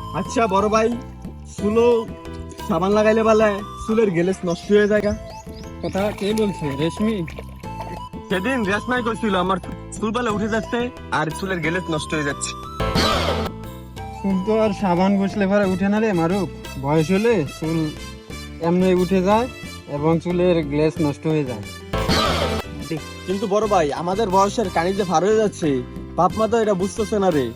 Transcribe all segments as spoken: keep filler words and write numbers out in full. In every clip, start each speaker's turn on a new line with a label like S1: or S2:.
S1: আচ্ছা বড় ভাই, চুলো সাবান লাগাইলে বলে চুলের গেলেস নষ্ট হয়ে যায়।
S2: কথা কে বলছে? রেশমি?
S1: সেদিন রেশমাই করছিল আমার চুল বেলা উঠে যাচ্ছে আর চুলের গেলেস নষ্ট হয়ে যাচ্ছে।
S2: চুল তো আর সাবান ঘষলে পরে উঠে না রে মারুফ। বয়স হলে চুল এমনি উঠে যায় এবং চুলের গ্লেজ নষ্ট হয়ে যায়।
S1: কিন্তু বড় ভাই, আমাদের বয়সের কানি যে ভার হয়ে যাচ্ছে, বাপ মা তো এটা বুঝতেছে না রে।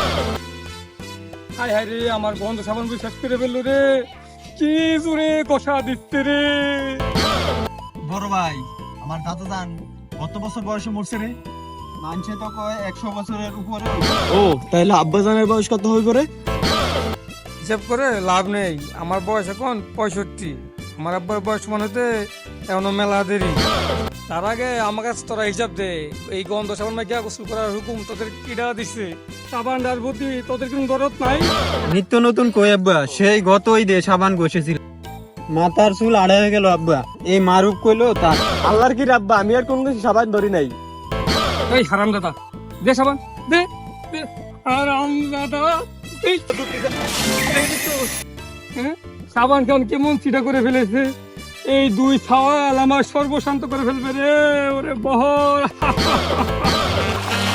S3: হায় হায় রে, আমার গন্ধ সাবান শেষ করে ফেললো রে। কি জোরে কষা দিচ্ছে রে।
S1: বড় ভাই, আমার দাদা জান কত বছর বয়সে মরছে রে?
S2: মানছে তো কয় একশো বছরের উপরে।
S1: ও তাহলে আব্বা জানের বয়স কত হয়ে পড়ে?
S3: হিসাব করে লাভ নেই, আমার বয়স এখন পঁয়ষট্টি। আমার আব্বার বয়স মনে হতে এখনো মেলা দেরি। তার আগে আমার কাছে তোরা হিসাব দে, এই গন্ধ সাবান মাইকা গোসল করার হুকুম তোদের কিডা দিছে? সাবান ডার বুদ্ধি তোদের কোনো দরদ নাই?
S2: নিত্য নতুন কই আব্বা, সেই গত ঈদে সাবান ঘষেছিল, মাথার চুল আড়াই হয়ে গেল আব্বা। এই মারুফ কইলো তার।
S1: আল্লাহর কি রাব্বা, আমি আর কোন কিছু সাবান ধরি নাই।
S3: এই হারাম দাদা, দে সাবান দে দে। হারাম দাদা, এই হ্যাঁ, সাবান খান কেমন চিটা করে ফেলেছে। এই দুই ছাওয়াল আমার সর্বশান্ত করে ফেলবে রে। ওরে বহর